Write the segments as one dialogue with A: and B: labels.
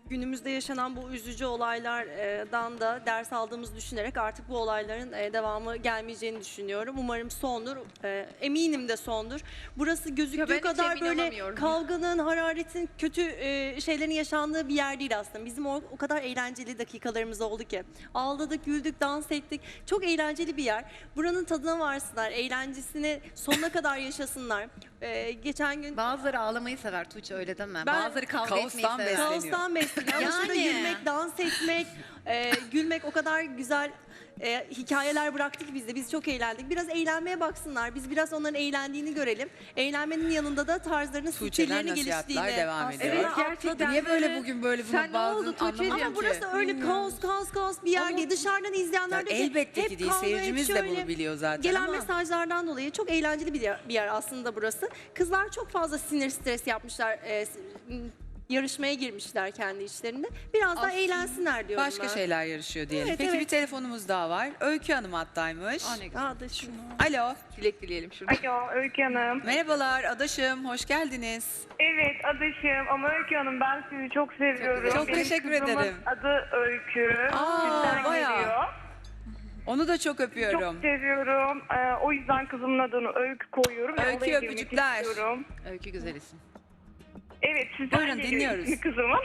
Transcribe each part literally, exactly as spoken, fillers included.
A: günümüzde yaşanan bu üzücü olaylardan da ders aldığımızı düşünerek artık bu olayların e, devamı gelmeyeceğini düşünüyorum. Umarım sondur. E, eminim de sondur. Burası
B: Ya ben
A: gözüktüğü
B: hiç
A: kadar
B: emin
A: böyle
B: olamıyorum.
A: kavganın, hararetin, kötü e, şeylerin yaşandığı bir yer değil aslında. Bizim o, o kadar eğlenceli dakikalarımız oldu ki. Ağladık, güldük, dans ettik. Çok eğlenceli bir yer. Buranın tadına varsınlar, eğlencesini sonuna kadar yaşasınlar. E, geçen gün
B: Bazıları ağlamayı sever Tuğçe, öyle deme.
A: Ben-
B: Bazıları kavga
C: Kaostan
B: etmeyi sever.
C: besleniyor.
A: kaostan besleniyor. Ama şurada
B: Yani.
A: yürümek, dans etmek, e, gülmek o kadar güzel e, hikayeler bıraktık bizde. Biz çok eğlendik. Biraz eğlenmeye baksınlar. Biz biraz onların eğlendiğini görelim. Eğlenmenin yanında da tarzlarının
C: Tuğçe'den
A: stillerini
C: nasihatler
A: geliştiğini.
C: devam ediyor.
A: Evet,
B: gerçekten
C: Niye böyle
B: böyle-
C: bugün böyle
B: Sen
C: bunu
B: ne
C: bazen
B: oldu Tuğçe'ciğim?
C: anlamadım
A: Ama
C: ki.
A: burası öyle kaos kaos kaos bir yer değil. Dışarıdan izleyenler
C: Ya
A: de
C: elbette
A: hep
C: ki değil.
A: kavga, hep
C: Seyircimiz de
A: şöyle.
C: bunu biliyor zaten
A: Gelen
C: ama.
A: mesajlardan dolayı çok eğlenceli bir yer, bir yer aslında burası. Kızlar çok fazla sinir stres yapmışlar. e, s- m, yarışmaya girmişler kendi içlerinde. Biraz daha
B: Aslında
A: eğlensinler diyorum
C: Başka
A: ben.
C: şeyler yarışıyor diyelim.
A: Evet,
C: Peki
A: evet.
C: bir telefonumuz daha var. Öykü Hanım hattaymış.
B: Aa, ne güzel.
A: Aa, da şu-
C: Alo.
B: Dilek dileyelim şurada.
D: Alo Öykü Hanım.
C: Merhabalar adaşım. Hoş geldiniz.
D: Evet adaşım ama Öykü Hanım ben sizi çok seviyorum.
C: Çok
D: Benim
C: teşekkür
D: kızımın
C: ederim.
D: adı Öykü.
C: Aa,
D: Sizden
C: bayağı.
D: geliyor.
C: Onu da çok öpüyorum.
D: Çok seviyorum. Ee, o yüzden kızımın adını Öykü koyuyorum. ve
C: Öykü,
D: olaya girmek
C: öpücükler.
D: istiyorum.
B: Öykü güzel isim.
D: Evet sizden
C: Buyurun,
D: geliyor
C: dinliyoruz.
D: ismi kızımın.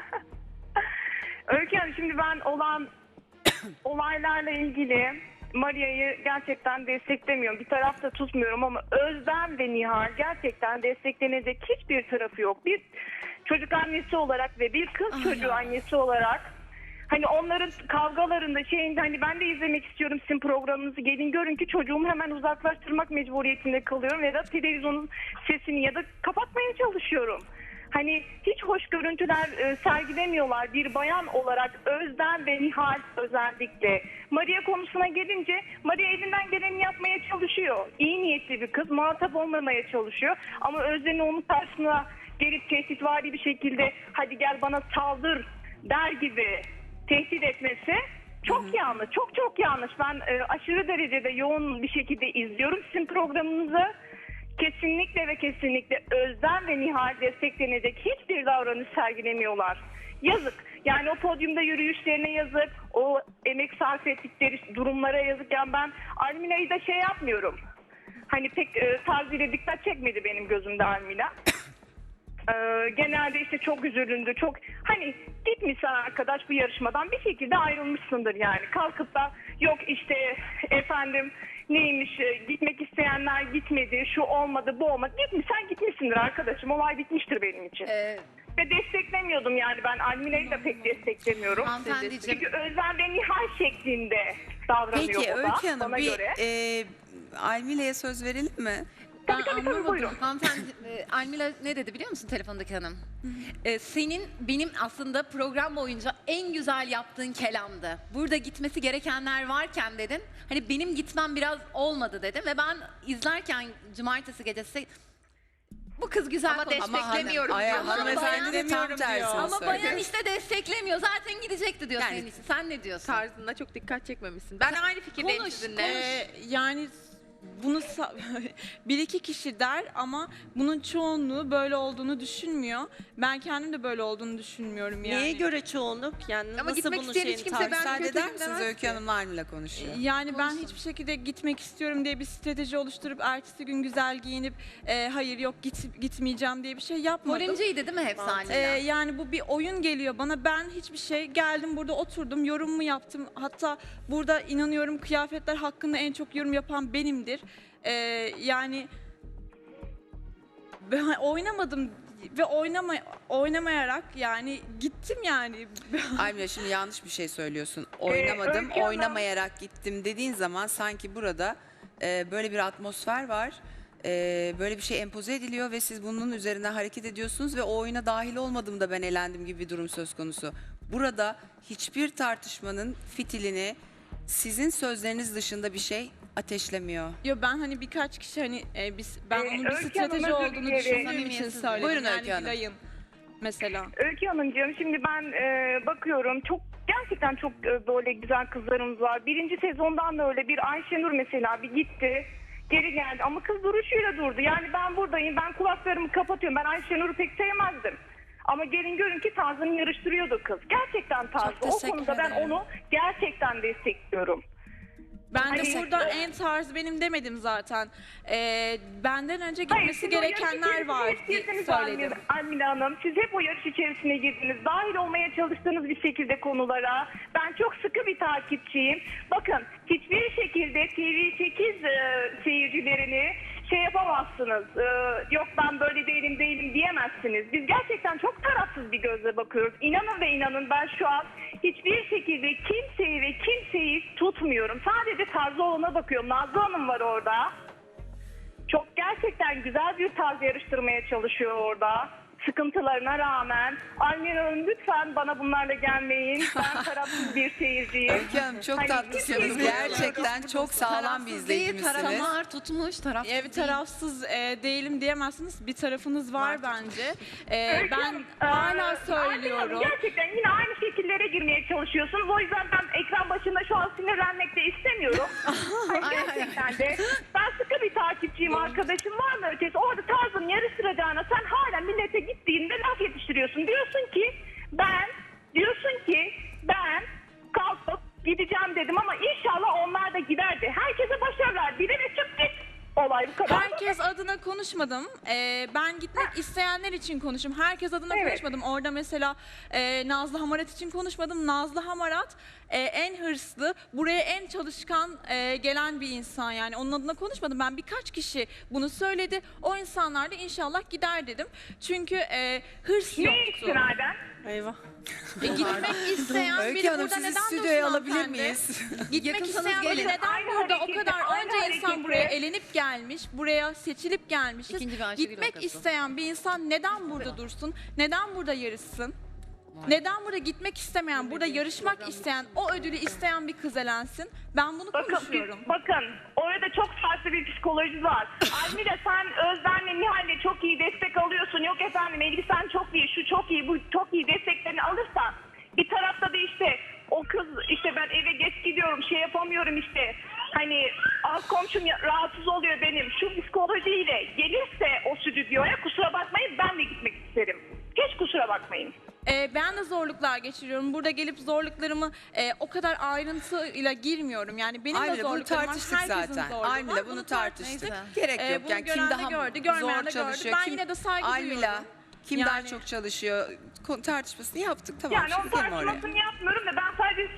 D: Öykü Hanım şimdi ben olan olaylarla ilgili Maria'yı gerçekten desteklemiyorum. Bir tarafta tutmuyorum ama Özlem ve Nihal gerçekten desteklenecek hiçbir tarafı yok. Bir çocuk annesi olarak ve bir kız çocuğu annesi olarak hani onların kavgalarında şeyinde hani ben de izlemek istiyorum sizin programınızı, gelin görün ki çocuğumu hemen uzaklaştırmak mecburiyetinde kalıyorum ya da televizyonun sesini ya da kapatmaya çalışıyorum. Hani hiç hoş görüntüler e, sergilemiyorlar bir bayan olarak Özlem ve Nihal özellikle. Maria konusuna gelince Maria elinden geleni yapmaya çalışıyor. İyi niyetli bir kız, muhatap olmamaya çalışıyor. Ama Özlem'in onun karşısına gelip tehditvari bir şekilde hadi gel bana saldır der gibi tehdit etmesi çok yanlış. Çok çok yanlış. Ben e, aşırı derecede yoğun bir şekilde izliyorum sizin programınızı. Kesinlikle ve kesinlikle Özlem ve Nihal desteklenecek hiçbir davranış sergilemiyorlar. Yazık. Yani o podyumda yürüyüşlerine yazık. O emek sarf ettikleri durumlara yazık. Yani ben Almila'yı da şey yapmıyorum. Hani pek e, tarzıyla dikkat çekmedi benim gözümde Almila. Ee, genelde işte çok üzülündü. Çok hani gitmişsen arkadaş bu yarışmadan bir şekilde ayrılmışsındır yani. Kalkıp da yok işte efendim neymiş e, gitmek isteyenler gitmedi, şu olmadı, bu olmadı. Gitmişsen gitmişsindir arkadaşım. Olay bitmiştir benim için.
B: Ee,
D: Ve desteklemiyordum yani ben Almine'yi de pek desteklemiyorum.
B: Hanımefendiciğim.
D: Çünkü Özlem ve Nihal şeklinde davranıyor
C: Peki
D: o da
C: Öykü Hanım
D: bana
C: bir
D: göre.
C: e, Almile'ye söz verelim mi?
B: Ben
D: tabii, tabii,
B: anlamadım.
D: buyurun.
B: Hanımefendi, e, Almila ne dedi biliyor musun telefondaki hanım? E, senin benim aslında program boyunca en güzel yaptığın kelamdı. Burada gitmesi gerekenler varken dedin. Hani benim gitmem biraz olmadı dedim ve ben izlerken cumartesi gecesi bu kız güzel
E: Ama
B: konuştu.
E: desteklemiyorum
C: Ama
E: diyor.
C: hanım- hanımefendi de tam
E: Demiyorum
C: tersini
E: diyor.
B: Ama
C: söylüyor.
B: bayan işte desteklemiyor. Zaten gidecekti diyor
C: Yani-
B: senin için. Sen ne diyorsun?
E: Tarzında çok dikkat çekmemişsin. Ben aynı fikirdeyim
B: Konuş,
E: sizinle.
B: konuş.
F: Ee, yani bunu sa- bir iki kişi der ama bunun çoğunluğu böyle olduğunu düşünmüyor. Ben kendim de böyle olduğunu düşünmüyorum yani.
A: Neye göre çoğunluk? Yani
E: Ama
A: nasıl
E: gitmek
A: bunun
E: isteyen hiç
A: şeyini
E: kimse
A: tarif-
E: ben
C: Müsaade
E: kötüyüm
C: eder misiniz?
E: demez
C: Öykü
E: ki.
C: Hanım'la Almile konuşuyor.
F: Yani ben
B: Konuşsun.
F: hiçbir şekilde gitmek istiyorum diye bir strateji oluşturup ertesi gün güzel giyinip e, hayır yok git, gitmeyeceğim diye bir şey yapmadım.
B: Polemciydi değil mi hepsi
A: Mantıklı.
B: Almila?
F: Ee, yani bu bir oyun geliyor bana. Ben hiçbir şey geldim burada oturdum yorumumu yaptım. Hatta burada inanıyorum kıyafetler hakkında en çok yorum yapan benimdir. Ee, yani ben oynamadım ve oynama oynamayarak yani gittim yani.
C: Almile şimdi yanlış bir şey söylüyorsun. Oynamadım,
D: Öykü Hanım-
C: oynamayarak gittim dediğin zaman sanki burada e, böyle bir atmosfer var. E, böyle bir şey empoze ediliyor ve siz bunun üzerine hareket ediyorsunuz ve o oyuna dahil olmadığımda ben elendim gibi bir durum söz konusu. Burada hiçbir tartışmanın fitilini sizin sözleriniz dışında bir şey ateşlemiyor.
F: Yo ben hani birkaç kişi hani e, biz ben
D: Ee,
F: onun bir
D: Öykü Hanım,
F: strateji
D: özür
F: olduğunu
D: dilerim.
F: düşündüğüm için
B: Samimiyetsiz.
F: söyledim.
C: Buyurun
F: yani
C: Öykü Hanım.
F: Gülay'ın mesela.
D: Öykü Hanımcığım şimdi ben e, bakıyorum çok gerçekten çok e, böyle güzel kızlarımız var. Birinci sezondan da öyle bir Ayşenur mesela bir gitti geri geldi ama kız duruşuyla durdu. Yani ben buradayım ben kulaklarımı kapatıyorum ben Ayşenur'u pek sevmezdim. Ama gelin görün ki tarzını yarıştırıyordu kız. Gerçekten tarzı. O
F: teşekkür
D: konuda ben
F: ederim.
D: onu gerçekten destekliyorum.
F: Ben de
D: Hayır.
F: burada en tarz benim demedim zaten. Ee, benden önce
D: Hayır,
F: gitmesi
D: siz o yarış
F: gerekenler
D: içerisine
F: var
D: hep
F: diye
D: girdiniz
F: söyledim.
D: Almila- Almila Hanım. Siz hep o yarış içerisine girdiniz. Dahil olmaya çalıştığınız bir şekilde konulara. Ben çok sıkı bir takipçiyim. Bakın hiçbir şekilde T V sekiz e, seyircilerini şey yapamazsınız. E, yok ben böyle değilim değilim diyemezsiniz. Biz gerçekten çok tarafsız bir gözle bakıyoruz. İnanın ve inanın ben şu an hiçbir şekilde kimseyi ve kimseyi tutmuyorum. Sadece tarzı olana bakıyorum. Nazlı Hanım var orada. Çok gerçekten güzel bir tarz yarıştırmaya çalışıyor orada. Sıkıntılarına rağmen. Almira Hanım lütfen bana bunlarla gelmeyin. Ben tarafsız bir seyirciyim.
C: Öykü Hanım çok
D: Hani
C: tatlısınız.
D: kimseyi
C: Gerçekten çok sağlam bir
B: Tarafsız değil,
C: izleyicimsiniz.
B: taraflar tutmuş, tarafsız
F: Evet
B: değil.
F: tarafsız e, değilim diyemezsiniz. Bir tarafınız var, bence. E,
D: Öykü
F: ben
D: Hanım,
F: hala
D: eee,
F: söylüyorum.
D: Almira Hanım, gerçekten yine aynı şekillere girmeye çalışıyorsunuz. O yüzden ben ekran başında şu an sinirlenmek de istemiyorum. Hani gerçekten de ben sıkı bir takipçiyim, arkadaşım var mı ötesi? Orada tarzın yarıştıracağına sen hala millete gittiğinde laf yetiştiriyorsun. Diyorsun ki ben, diyorsun ki ben kalkıp gideceğim dedim ama inşallah onlar da giderdi. Herkese başarılar. Bir de çık git. Olay bu kadar.
F: Herkes adına konuşmadım. Ee, ben gitmek isteyenler için konuştum. Herkes adına
D: Evet.
F: konuşmadım. Orada mesela e, Nazlı Hamarat için konuşmadım. Nazlı Hamarat e, en hırslı, buraya en çalışkan e, gelen bir insan. Yani onun adına konuşmadım. Ben birkaç kişi bunu söyledi. O insanlar da inşallah gider dedim. Çünkü e, hırs
D: Ne
F: yoktu.
D: istinaden?
F: Eyvah. E, gitmek isteyen
C: Öykü
F: biri
C: Hanım
F: burada
C: sizi
F: neden
C: stüdyoya
F: dursun
C: alabilir
F: hanımefendi?
C: miyiz?
F: Gitmek
B: Yakınsanız
F: isteyen biri
B: gelin.
F: neden
D: Aynı
F: burada o
D: hareketi,
F: kadar
D: aynı
F: onca insan
D: hareketi.
F: buraya elenip gelmiş, buraya seçilip gelmişiz.
B: İkinci bir Ayşegül
F: Gitmek
B: vakası.
F: isteyen bir insan neden burada dursun? Neden burada yarışsın? Neden burada gitmek istemeyen, burada yarışmak isteyen, o ödülü isteyen bir kız elensin? Ben bunu
D: Bakın,
F: konuşuyorum.
D: bakın orada çok farklı bir psikoloji var. Almira sen Özlem'le Nihal'le çok iyi destek alıyorsun. Yok efendim Elbisen çok iyi, şu çok iyi, bu çok iyi desteklerini alırsan bir tarafta da işte o kız işte ben eve geç gidiyorum şey yapamıyorum işte hani az komşum ya- rahatsız oluyor benim şu psikolojiyle gelirse o stüdyoya kusura bakmayın ben de gitmek isterim. Hiç kusura bakmayın.
F: Ee, ben de zorluklar geçiriyorum. Burada gelip zorluklarımı e, o kadar ayrıntıyla girmiyorum. Yani benim de
C: Aymile bunu
F: zorluklarım var.
C: tartıştık
F: herkesin
C: zaten.
F: zorluğu var.
C: Aymile bunu
F: tartıştık.
C: tartıştık. Gerek
F: Ee,
C: yok.
F: bunu
C: Yani kim
F: gören de
C: daha
F: gördü, görmeyen
C: zor
F: de gördü.
C: çalışıyor?
F: Ben
C: kim,
F: yine de saygı
C: Aymile,
F: duyuyorum.
C: kim daha
F: Yani-
C: çok çalışıyor? Ko- Tartışmasını yaptık tamam.
D: Yani
C: şimdi
D: onun
C: gelin oraya.
D: tartışmasını yapmıyorum da ben sadece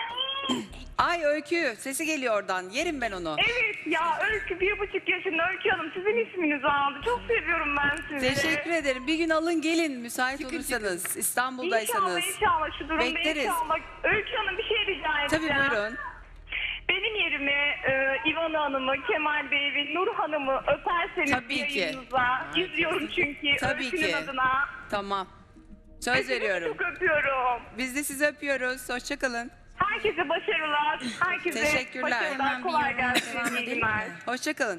C: Ay Öykü sesi geliyor oradan. Yerim ben onu.
D: evet ya Öykü bir buçuk yaşında Öykü Hanım sizin isminizi aldı. Çok seviyorum ben sizi.
C: Teşekkür ederim. Bir gün alın gelin müsait olursanız. İstanbul'daysanız.
D: İnşallah inşallah şu durumda
C: Bekleriz.
D: inşallah. Öykü Hanım bir şey rica
C: Tabii
D: edeceğim.
C: buyurun.
D: Benim yerime e, İvana Hanım'ı, Kemal Bey ve Nur Hanım'ı öperseniz
C: Tabii ki.
D: yayınınıza. İzliyorum çünkü
C: Tabii
D: Öykü'nün
C: ki.
D: adına.
C: Tamam. Söz
D: Hepinizi
C: veriyorum.
D: çok öpüyorum.
C: Biz de sizi öpüyoruz. Hoşçakalın.
D: Herkese başarılar. Herkese
C: Teşekkürler.
D: başarılar.
G: Hemen bir
D: Kolay
G: yoruma
D: gelsin.
G: devam
D: İyi
G: edelim
D: günler.
G: mi?
C: Hoşçakalın.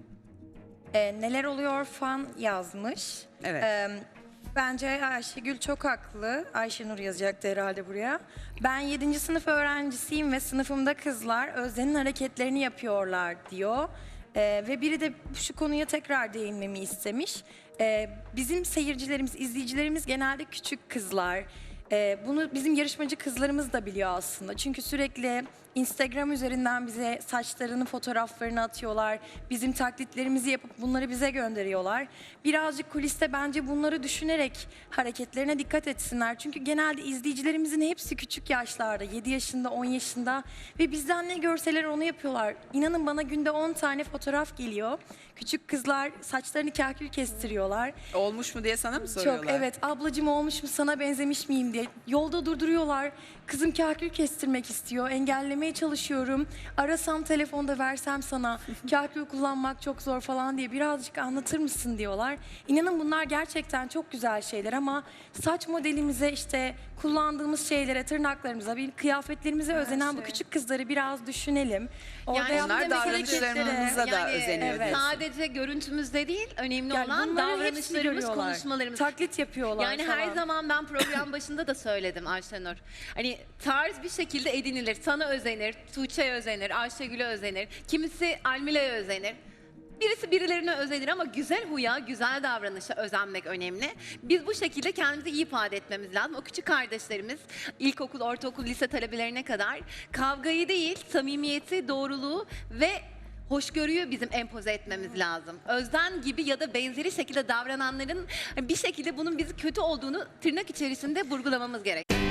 G: Ee, neler oluyor fan yazmış.
C: Evet.
G: Ee, bence Ayşegül çok haklı. Ayşenur yazacaktı herhalde buraya. Ben yedinci sınıf öğrencisiyim ve sınıfımda kızlar Özden'in hareketlerini yapıyorlar diyor. Ee, ve biri de şu konuya tekrar değinmemi istemiş. Ee, bizim seyircilerimiz, izleyicilerimiz genelde küçük kızlar. Ee, bunu bizim yarışmacı kızlarımız da biliyor aslında. Çünkü sürekli Instagram üzerinden bize saçlarını, fotoğraflarını atıyorlar. Bizim taklitlerimizi yapıp bunları bize gönderiyorlar. Birazcık kuliste bence bunları düşünerek hareketlerine dikkat etsinler. Çünkü genelde izleyicilerimizin hepsi küçük yaşlarda, yedi yaşında, on yaşında ve bizden ne görseler onu yapıyorlar. İnanın bana günde on tane fotoğraf geliyor. Küçük kızlar saçlarını kahkül kestiriyorlar.
C: Olmuş mu diye sana mı soruyorlar?
G: Çok evet ablacığım olmuş mu sana benzemiş miyim diye yolda durduruyorlar. Kızım kahkül kestirmek istiyor. Engellemeye çalışıyorum. Arasam telefonda versem sana kahkül kullanmak çok zor falan diye birazcık anlatır mısın diyorlar. İnanın bunlar gerçekten çok güzel şeyler ama saç modelimize işte kullandığımız şeylere, tırnaklarımıza, bir kıyafetlerimize özenen bu küçük kızları biraz düşünelim. Orada
B: Yani
C: onlar
G: yaptığımız
C: davranışlarımıza
G: hareketlere-
C: da özeniyor.
G: evet.
B: Sadece görüntümüzde değil, önemli
G: Yani
B: olan
G: bunların hepsini
B: davranışlarımız,
G: görüyorlar.
B: konuşmalarımız.
G: Taklit yapıyorlar
B: Yani
G: falan.
B: her zaman ben program başında da söyledim Ayşenur. Hani tarz bir şekilde edinilir. Sana özenir, Tuğçe'ye özenir, Ayşegül'e özenir. Kimisi Almile'ye özenir. Birisi birilerine özenir ama güzel huya, güzel davranışa özenmek önemli. Biz bu şekilde kendimizi iyi ifade etmemiz lazım. O küçük kardeşlerimiz ilkokul, ortaokul, lise talebelerine kadar kavgayı değil, samimiyeti, doğruluğu ve hoşgörüyü bizim empoze etmemiz lazım. Özden gibi ya da benzeri şekilde davrananların bir şekilde bunun bizi kötü olduğunu tırnak içerisinde vurgulamamız gerek.